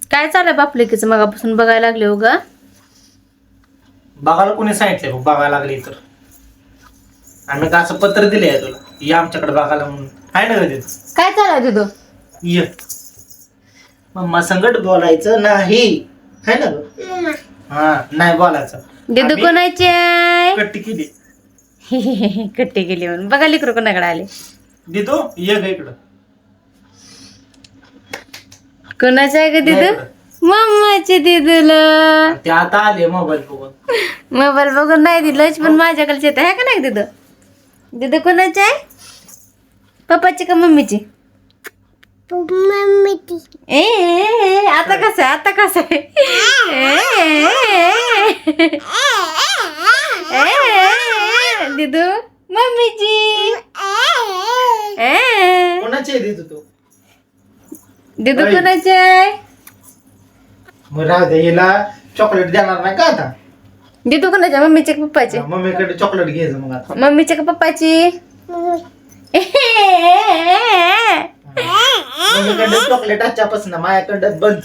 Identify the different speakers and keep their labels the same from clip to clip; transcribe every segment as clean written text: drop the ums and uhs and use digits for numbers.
Speaker 1: काय चाललंय बापलेकीचं मगापासून बघायला लागले हो ग.
Speaker 2: बघायला कोणी सांगितलंय बघ बघायला लागली तर आम्ही का असं पत्र दिलंय तुला या आमच्याकडे बघायला म्हणून आहे ना कधी
Speaker 1: काय चाललंय तुझं?
Speaker 2: ये मम्मा संगट बोलायचं नाही है ना ग? हा नाही बोलायचं.
Speaker 1: दिदू
Speaker 2: आम्ही
Speaker 1: कोणाची आहे?
Speaker 2: कट्टी केली
Speaker 1: कट्टी गेली म्हणून बघा लेकरू कोणाकडे आले.
Speaker 2: दिदो ये ग इकडं
Speaker 1: कोणाचं आहे ग
Speaker 2: ये
Speaker 1: दिदू?
Speaker 2: इकडं.
Speaker 1: मम्माची दिदूला.
Speaker 2: ते आता आले मोबाईल बघून
Speaker 1: मोबाईल बघून नाही दिलं पण माझ्याकडे येत आहे का नाही दिदू? दिदू कोणाची आहे? पप्पाची का मम्मीची? ए आता कसं आहे आता कसं आहे? दिदू मम्मीची.
Speaker 2: कोणाची आहे दिदू तू
Speaker 1: दिदू
Speaker 2: आई.
Speaker 1: कोणाची आहे?
Speaker 2: मग राहू दे हिला चॉकलेट देणार नाही का आता
Speaker 1: दिदू कोणाच्या? मम्मीचे का पप्पाची?
Speaker 2: मम्मीकडे चॉकलेट घ्यायचं मग आता
Speaker 1: मम्मीचे का पप्पाची?
Speaker 2: मम्मीकडे चॉकलेट आजच्यापासून माझ्याकडे बंद.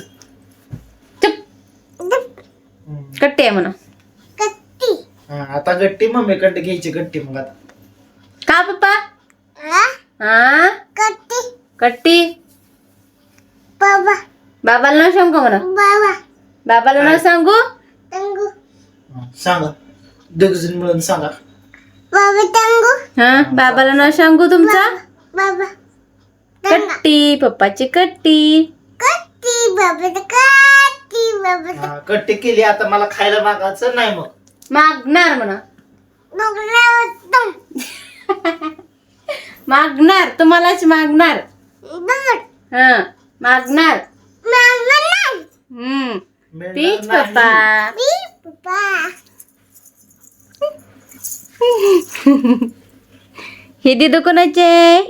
Speaker 1: चुप. कट्टी आहे म्हणा.
Speaker 2: हा, आता गट्टी मम्मीकडे घ्यायची गट्टी मग आता
Speaker 1: का पप्पा? हा कट्टी. बाबाला नाव सांगू म्हणा. बाबाला नाव सांगू.
Speaker 2: हा, सांगा दोघजण मिळून सांगा
Speaker 1: हा बाबाला नाव सांगू तुमचा. कट्टी पप्पाची कट्टी.
Speaker 2: हा, गट्टी केली आता मला खायला मागायचं नाही मग
Speaker 1: मागणार म्हणा. मागणार तुम्हालाच मागणार. हा मागणार.
Speaker 2: मिळणार
Speaker 1: पीच
Speaker 2: नाही.
Speaker 1: पप्पा. हे दिदू कोणाचे?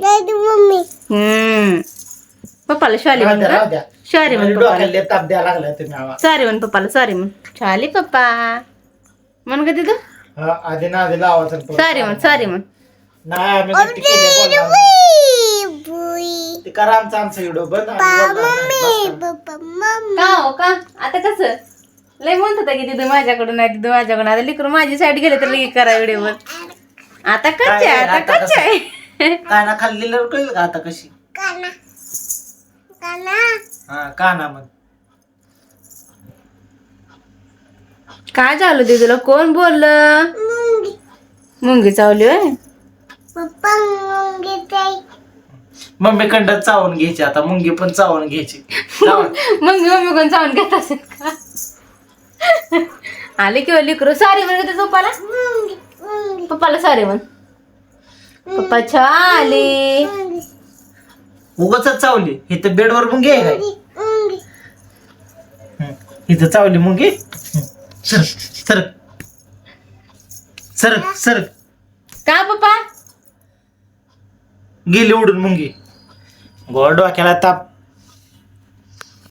Speaker 1: पप्पाला शाली
Speaker 2: राहू
Speaker 1: म्हण
Speaker 2: द्या,
Speaker 1: का?
Speaker 2: राहू द्या.
Speaker 1: सॉरी म्हण
Speaker 2: मला
Speaker 1: पप्पाला.
Speaker 2: डोक्याला ताप द्यायला लागलाय तुम्ही आवाज
Speaker 1: सॉरी म्हण पप्पाला. सॉरी म्हण. शाली पप्पा म्हण का दिदू?
Speaker 2: हा, आधी ना आधी लावायचं
Speaker 1: सॉरी म्हण. सॉरी म्हण.
Speaker 2: नाही आम्ही गट्टी केली बोलणार नाही. ते करा आमचा व्हिडिओ बंद आम्ही बोलणार नाही. बस करा.
Speaker 1: का हो का आता कसं लय म्हणत होता की दिदू माझ्याकडून नाही दिदू माझ्याकडून. आता लिकरू माझी साईड गेले तर लगे करा व्हिडिओ. आता कच्चे आहे
Speaker 2: काय,
Speaker 1: आता
Speaker 2: आता
Speaker 1: कच्चे आहे.
Speaker 2: काय ना खाल्लेलं कळलं का आता कशी हा काना मग
Speaker 1: काय झालं दिदूला? कोण बोललं? मुंगी चावली होय.
Speaker 2: मम्मी कंडात चावून घ्यायची आता मुंगी पण चावून घ्यायची चावून.
Speaker 1: मग मम्मी कोण चावून घेत असेल का? आले किंवा लिकरू सॉरी म्हण होते पप्पाला. पप्पाला सॉरी म्हण. पप्पा छाली.
Speaker 2: उगाच चावली इथं बेडवर मुंगी आहे काय इथं चावली मुंगी सर सर सर सर
Speaker 1: का पप्पा?
Speaker 2: गेली उडून मुंगी गोड डोक्याला ताप